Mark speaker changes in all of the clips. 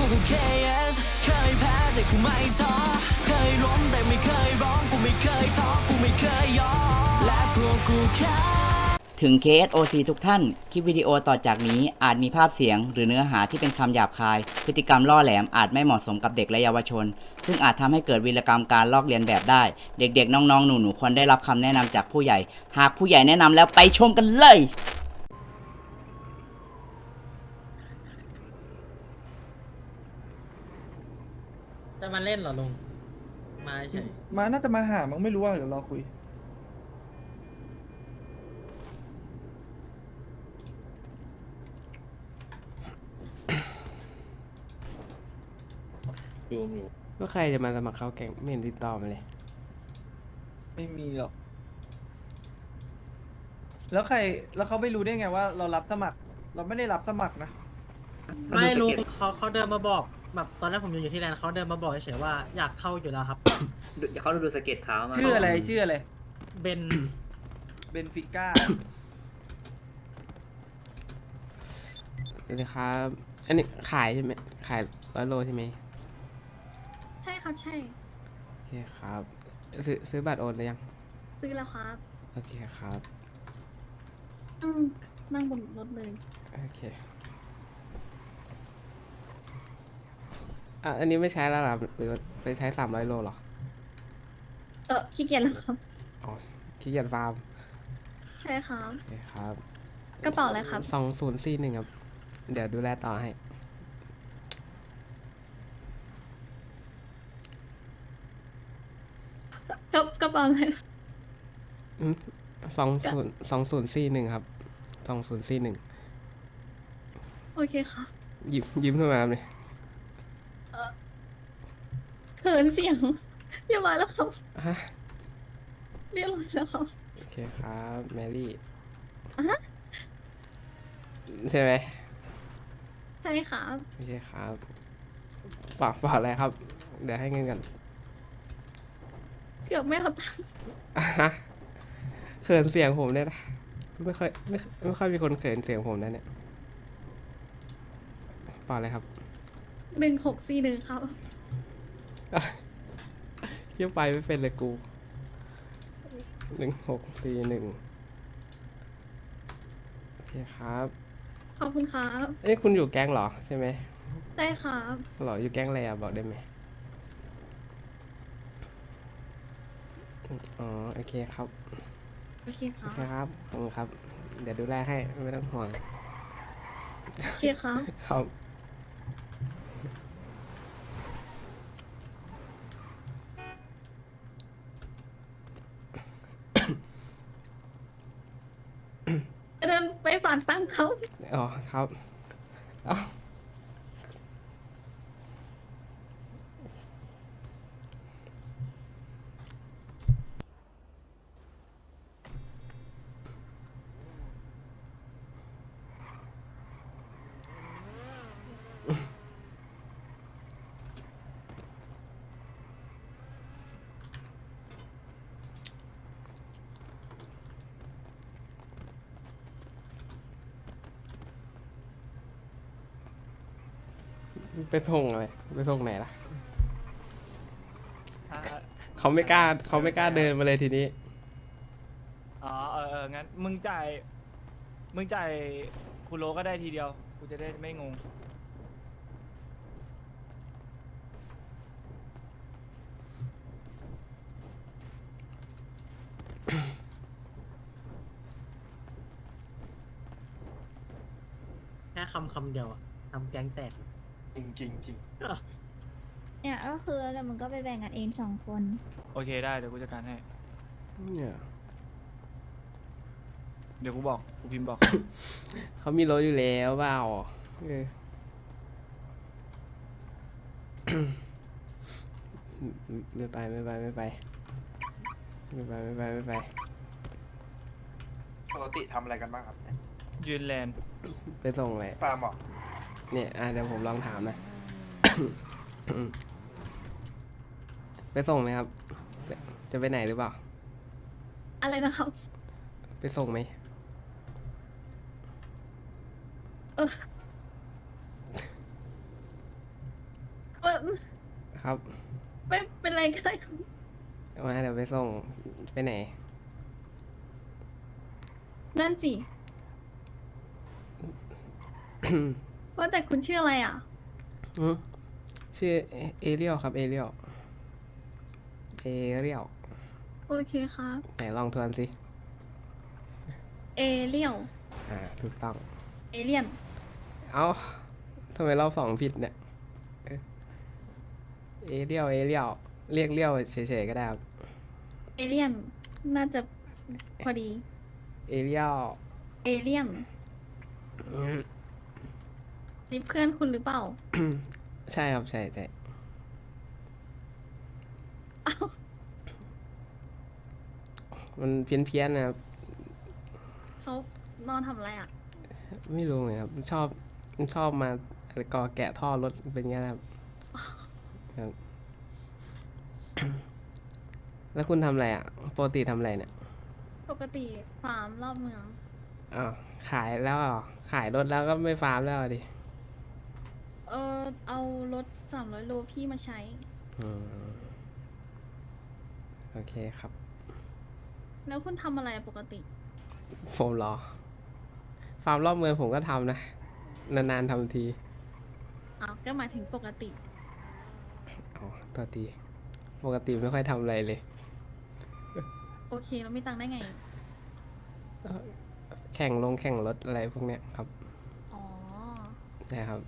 Speaker 1: กู KS เคยแพ้แต่กูไม่ท้อเคยล้มแต่ไม่เคยร้องกูไม่เคยท้อกูไม่เคยยอมและพวกกูแค่ถึง KSOC ทุกท่าน คลิปวิดีโอต่อจากนี้อาจมีภาพเสียงหรือเนื้อหาที่เป็นคำหยาบคาย พฤติกรรมล่อแหลมอาจไม่เหมาะสมกับเด็กและเยาวชน ซึ่งอาจทำให้เกิดวีรกรรมการลอกเลียนแบบได้ เด็กๆ น้องๆ หนูๆ ควรได้รับคำแนะนำจากผู้ใหญ่ หากผู้ใหญ่แนะนำแล้วไปชมกันเลย
Speaker 2: จะมาเล่นเหรอลุงมาเฉย
Speaker 3: มาน่าจะมาหามั้งไม่รู้ว่าเดี๋ยวรอคุยดูอยู่
Speaker 4: ก็ใครจะมาสมัครเข้าแก๊งไม่เห็นติดต่อมาเลย
Speaker 3: ไม่มีหรอกแล้วใครแล้วเขาไม่รู้ได้ไงว่าเรารับสมัคร เราไม่ได้รับสมัครนะ
Speaker 2: ไม่รู้เขาเดินมาบอกแบบตอนแรกผมอยู่ที่แลนด์เขาเดินมาบอกเฉยๆว่าอยากเข้าอยู่แล้วครับ
Speaker 5: เขาดูสเก็ตเท้ามา
Speaker 3: ชื่ออะไรชื่ออะไร
Speaker 2: เบน
Speaker 3: เบนฟิก้า
Speaker 4: สวัสดีครับ อันนี้ขายใช่ไหมขาย100 โลใช่ไหม
Speaker 6: ใช่ครับใช่
Speaker 4: โอเคครับ ซื้อบัตรโอนหรือยัง
Speaker 6: ซื้อแล้วครับ
Speaker 4: โอเคครับ
Speaker 6: นั่งบนรถเลย
Speaker 4: โอเคอันนี้ไม่ใช้แล้วหรอหรือไปใช้300 โลหรอ
Speaker 6: ขี้เกียจแล้วครับ
Speaker 4: อ๋อขี้เกียจฟาร์ม
Speaker 6: ใช่ครับ
Speaker 4: โอเคครับ
Speaker 6: กระเป๋าอะไรครับ
Speaker 4: 2041ครับ เดี๋ยวดูแลต่อให้
Speaker 6: กระเป๋าอะไร
Speaker 4: 2041ครับ2041
Speaker 6: โอเคครับ
Speaker 4: ยิ้มทำไมครับเนี่ย
Speaker 6: เขินเสียง เรียบร้อยแล้วครับ
Speaker 4: ฮะ
Speaker 6: เรียบร้อยแล้วครับ
Speaker 4: โอเคครับแมรี่
Speaker 6: อ่ะฮะ
Speaker 4: ใช่ไหม
Speaker 6: ใช่ครับ
Speaker 4: โอเคครับฝากอะไรครับ เดี๋ยวให้เงินกัน
Speaker 6: เกือบไม่เอาตังค์
Speaker 4: อ่ะฮะเขินเสียงผมเนี่ยนะไม่ค่อยมีคนเขินเสียงผมนะเนี่ยฝากอะไรครับ
Speaker 6: 1641ครับ
Speaker 4: เที่ยวไปไม่เป็นเลยกู1641โอเคครับ
Speaker 6: ขอบคุณครับ
Speaker 4: เอ้ยคุณอยู่แก๊งเหรอใช่ไหม
Speaker 6: ได้ครับ
Speaker 4: เหรออยู่แก๊งอะไรอ่ะบอกได้ไหมอ๋อโอเคครับ
Speaker 6: โอเคค
Speaker 4: โอ
Speaker 6: รับ
Speaker 4: เคครับขอบคุณครับ เดี๋ยวดูแลให้ไม่ต้องห่วง
Speaker 6: โอเคครับ
Speaker 4: ครับ
Speaker 6: เดินไปฝากตังค์เขา
Speaker 4: อ๋อครับเอ้าไปส่งอะไรไปส่งไหนล่ะเขาไม่กล้าเดินมาเลยทีนี้
Speaker 3: อ๋องั้นมึงจ่ายคุณโลก็ได้ทีเดียวกูจะได้ไม่งง
Speaker 2: แค่คำเดียวอะทำแก๊งแตก
Speaker 5: จริงจริง
Speaker 7: เนี่ยก็คือแล้วมึงก็ไปแบ่งกันเอง2 คน
Speaker 3: โอเคได้เดี๋ยวกูจัดการให้
Speaker 4: เนี่ย
Speaker 3: เดี๋ยวกูบอกกูพิมพ์บอก
Speaker 4: เขามีรถอยู่แล้วเปล่าเออ ไม่ไป
Speaker 5: ปกติทำอะไรกันบ้างครับ
Speaker 3: ยืนแลน
Speaker 4: ไปส่งเลย
Speaker 5: ฟาร์มเหรอ
Speaker 4: เนี่ยเดี๋ยวผมลองถามนะ ไปส่งไหมครับ จะไปไหนหรือเปล่า
Speaker 6: อะไรนะครับ
Speaker 4: ไปส่งไหม
Speaker 6: เออ
Speaker 4: ครับ
Speaker 6: ไม่เป็นไรก็ได้ครับ
Speaker 4: มาเดี๋ยวไปส่งไปไหน
Speaker 6: นั่นสิ ว่าแต่คุณชื่ออะไรอ่ะ
Speaker 4: อืมชื่อเอเรียลครับเอเรียลเอเรียล
Speaker 6: โอเคครับ
Speaker 4: ไหนลองทวนสิ
Speaker 6: เอเลียว
Speaker 4: ถูกต้อง
Speaker 6: เอเลียน
Speaker 4: เอ้าทำไมรอบสองผิดเนี่ยเอเรียลเอเรียลเรียกเรียวเฉยๆก็ได้ครับ
Speaker 6: เอเลียน น่าจะพอดี
Speaker 4: เอเรียล
Speaker 6: เอเลียน นี่เพื่อนคุณหรือเปล่า
Speaker 4: ใช่ครับใช่ใช่
Speaker 6: อ้าว
Speaker 4: มันเพี้ยนๆนะครับ
Speaker 6: เขานอนทำอะไรอ่ะ
Speaker 4: ไม่รู้เหมือนกันครับมันชอบมาก่อแกะท่อรถเป็นไงนะครับครับ แล้วคุณทำอะไรอ่ะปกติทำอะไรเนี่ย
Speaker 6: ปกติฟาร์มรอบเมือง
Speaker 4: อ้าวขายแล้วเหรอขายรถแล้วก็ไม่ฟาร์มแล้วดิ
Speaker 6: เอารถ300 โลพี่มาใช้
Speaker 4: อืมโอเคครับ
Speaker 6: แล้วคุณทำอะไรอะปกติ
Speaker 4: ผมเหรอ ฟาร์มรอบเมืองผมก็ทำนะ นานๆทำที
Speaker 6: อ้าว ก็หมายถึงปกติ
Speaker 4: อ๋อตัวทีปกติไม่ค่อยทำอะไรเลย
Speaker 6: โอเค เราไม่ตังค์ได้ไง
Speaker 4: แข่งรถอะไรพวกเนี้ยครับ
Speaker 6: อ๋อ
Speaker 4: นะครับ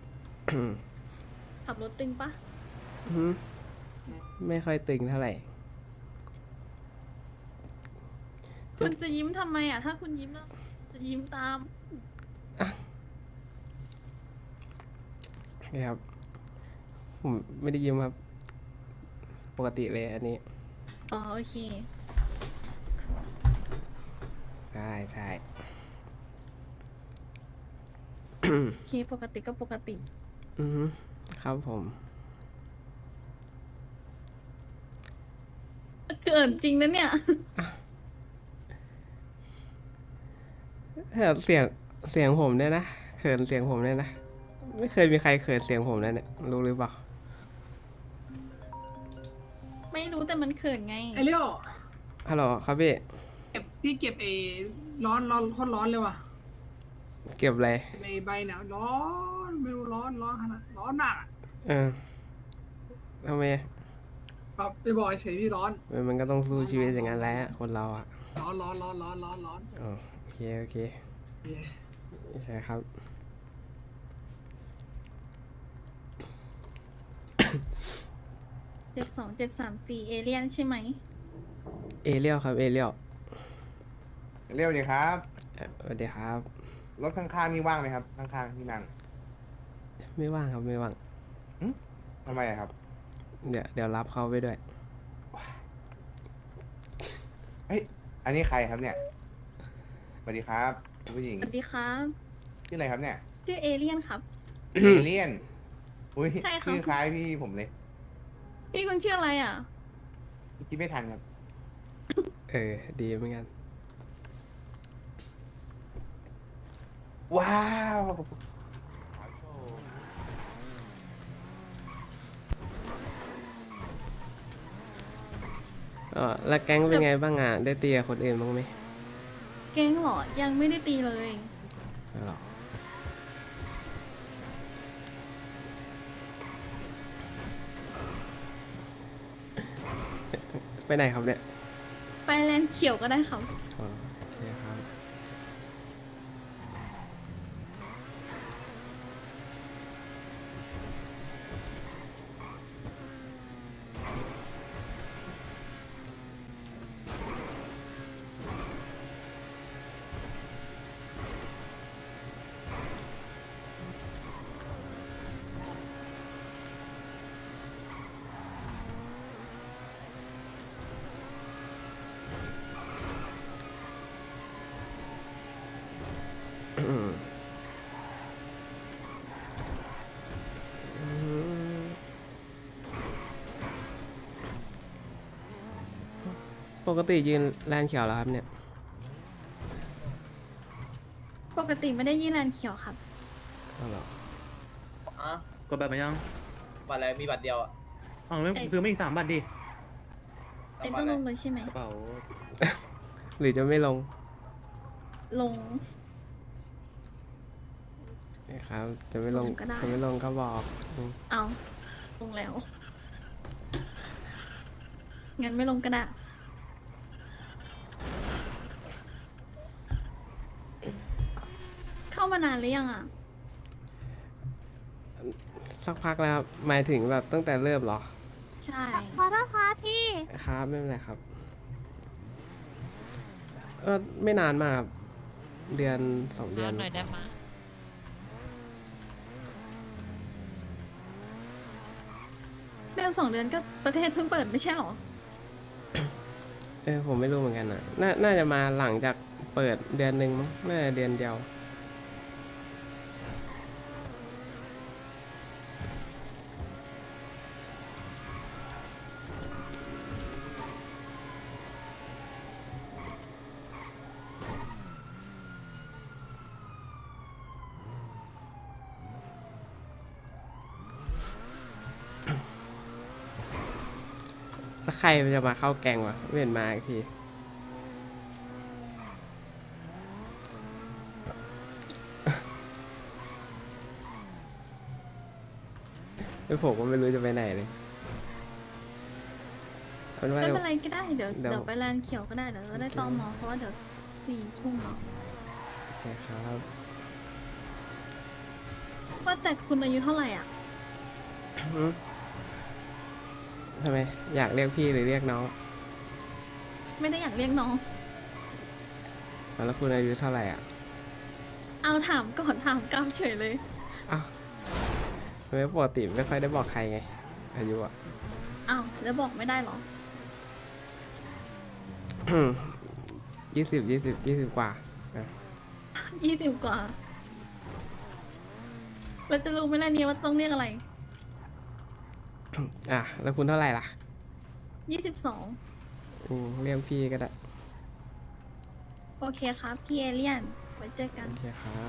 Speaker 6: ขับรถตึงปะ
Speaker 4: อืมไม่ค่อยตึงเท่าไหร่
Speaker 6: คุณจะยิ้มทำไมอ่ะ ถ้าคุณยิ้มแล้วจะยิ้มตาม
Speaker 4: นี่ครับ ผมไม่ได้ยิ้มครับ ปกติเลยอันนี้
Speaker 6: อ๋อ โอเค
Speaker 4: ใช่ใช่
Speaker 6: โอเค ปกติก็ปกติ
Speaker 4: อือฮึครับผม
Speaker 6: เกินจริงนะเนี่ย
Speaker 4: เสียงผมเนี่ยนะเขินเสียงผมเนี่ยนะ ไม่เคยมีใครเขินเสียงผมนะเนี่ยรู้หรือเปล่า
Speaker 6: ไม่รู้แต่มันเขินไง
Speaker 8: ไอเลี้ยว
Speaker 4: ฮัลโหลครับพี่
Speaker 8: พี่เก็บไอ้ร้อนโคตรร้อนเลยว่ะ
Speaker 4: เก็บอะไร
Speaker 8: ในใบเนี่ยร้อนไม่รู้ร้อนขนาดร้อนหนักอะ
Speaker 4: เออทำไม
Speaker 8: แบบไปบอกเฉยๆพี่ร้อน
Speaker 4: มันก็ต้องสู้ชีวิตอย่างนั้นแหละคนเราอ่ะ
Speaker 8: ร้อน
Speaker 4: อ๋อโอเคโอเคโอเคครับ
Speaker 6: 72734 เอเลียนใช่ไหม
Speaker 4: เอเรียลครับเอเรียล
Speaker 5: เรียวดีครับ
Speaker 4: สวัสดีครับ
Speaker 5: รถข้างๆนี่ว่างไหมครับ ข้างๆที่นั่ง
Speaker 4: ไม่ว่างครับไม่ว่าง
Speaker 5: ทำไมอะครับ
Speaker 4: เดี๋ยวรับเขาไปด้วย
Speaker 5: เฮ้ย อันนี้ใครครับเนี่ย สวัสดีครับคุณผู้หญิง
Speaker 6: สวัสดีครับ
Speaker 5: ชื่ออะไรครับเนี่ย
Speaker 6: ชื่อเอเลียนครับ
Speaker 5: เอเลี่ยน อุ้ย
Speaker 6: ใช่ครับ
Speaker 5: ชื่อคล้ายพี่ผมเลย
Speaker 6: พี่คุณชื่ออะไรอ่ะ
Speaker 5: คิดไม่ทันครับ
Speaker 4: ดีเหมือนกัน
Speaker 5: ว้าว
Speaker 4: แล้วแก๊งเป็นไงบ้างอ่ะ ได้ตีกับคนอื่นบ้างไหม
Speaker 6: แก๊งเหรอ ยังไม่ได้ตีเลย
Speaker 4: ไม่หรอกไปไหนครับเนี่ย
Speaker 6: ไปแลนด์เขียวก็ได้ครับ
Speaker 4: อ๋อโอเคครับ ปกติยืนแลนเขียวแล้วครับเนี่ย
Speaker 6: ปกติไม่ได้ยี่แลนด์เขียวครับ
Speaker 4: เอาเหรอ
Speaker 9: กดแบบมายังบัตรอะไรมีบัตรเดียวอ่ะ
Speaker 2: อ๋อไม่ซื้อไม่อีก3 บาทดิ
Speaker 6: เอ็นต้องลงเลยใช่ไหม
Speaker 2: กระเป๋า
Speaker 4: หรือจะไม่ลง
Speaker 6: ลง
Speaker 4: นะครับ จะไม่ลง
Speaker 6: ลงก็ได้
Speaker 4: จะไม่ลงก็บอกอืม
Speaker 6: เอาลงแล้ว งั้นไม่ลงก็ได้ เข้ามานานหรือยังอ่ะ
Speaker 4: สักพักแล้วครับหมายถึงแบบตั้งแต่เริ่มเหรอ
Speaker 6: ใช่
Speaker 7: ขอโทษครับพี่
Speaker 4: ครับไม่เป็นไรครับไม่นานมากครับเดือน2 เดือน
Speaker 6: หน่อยได้ไหมเดือน2 เดือนก็ประเทศเพิ่งเปิดไม่ใช่หรอ
Speaker 4: ผมไม่รู้เหมือนกันนะน่าจะมาหลังจากเปิดเดือนหนึ่งมั้งน่าจะเดือนเดียว แล้วใครมันจะมาเข้าแกงวะไม่เห็นมาอีกที แล้วผมก็ไม่รู้จะไปไหนเลยเอาเป็นว่า
Speaker 6: ไม่
Speaker 4: เดี๋ยว
Speaker 6: เป็นไรก็ได้ เดี๋ยว
Speaker 4: เดี๋ยว
Speaker 6: เดี๋ยวไปแลนด์เขียวก็ได้ เดี๋ยวจะได้ตอมอเพราะว่าเดี๋ยว4 ทุ่มเนาะ
Speaker 4: โอเคครับ
Speaker 6: ว่าแต่คุณอายุเท่าไหร่อ่ะ
Speaker 4: หืมทำไม อยากเรียกพี่หรือเรียกน้อง
Speaker 6: ไม่ได้อยากเรียกน้อง
Speaker 4: แล้วคุณอายุเท่าไหร่อ่ะ
Speaker 6: เอาถามก่อนถามกำเฉยเลย
Speaker 4: อ้าวทำไมปกติไม่ค่อยได้บอกใครไง อายุอ่ะ
Speaker 6: อ้าวแล้วบอกไม่ได้เหรอ
Speaker 4: 20 กว่าอ่ะ
Speaker 6: 20 กว่าเราจะรู้ไหมล่ะเนี่ยว่าต้องเรียกอะไร
Speaker 4: อ่ะ แล้วคุณเท่าไหร่ล่ะ
Speaker 6: 22
Speaker 4: เรียกพี่ก็ได้
Speaker 6: โอเคครับพี่เอเลียน ไว้เจอกัน
Speaker 4: โอเคครับ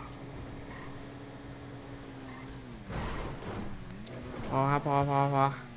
Speaker 4: พอครับ พอ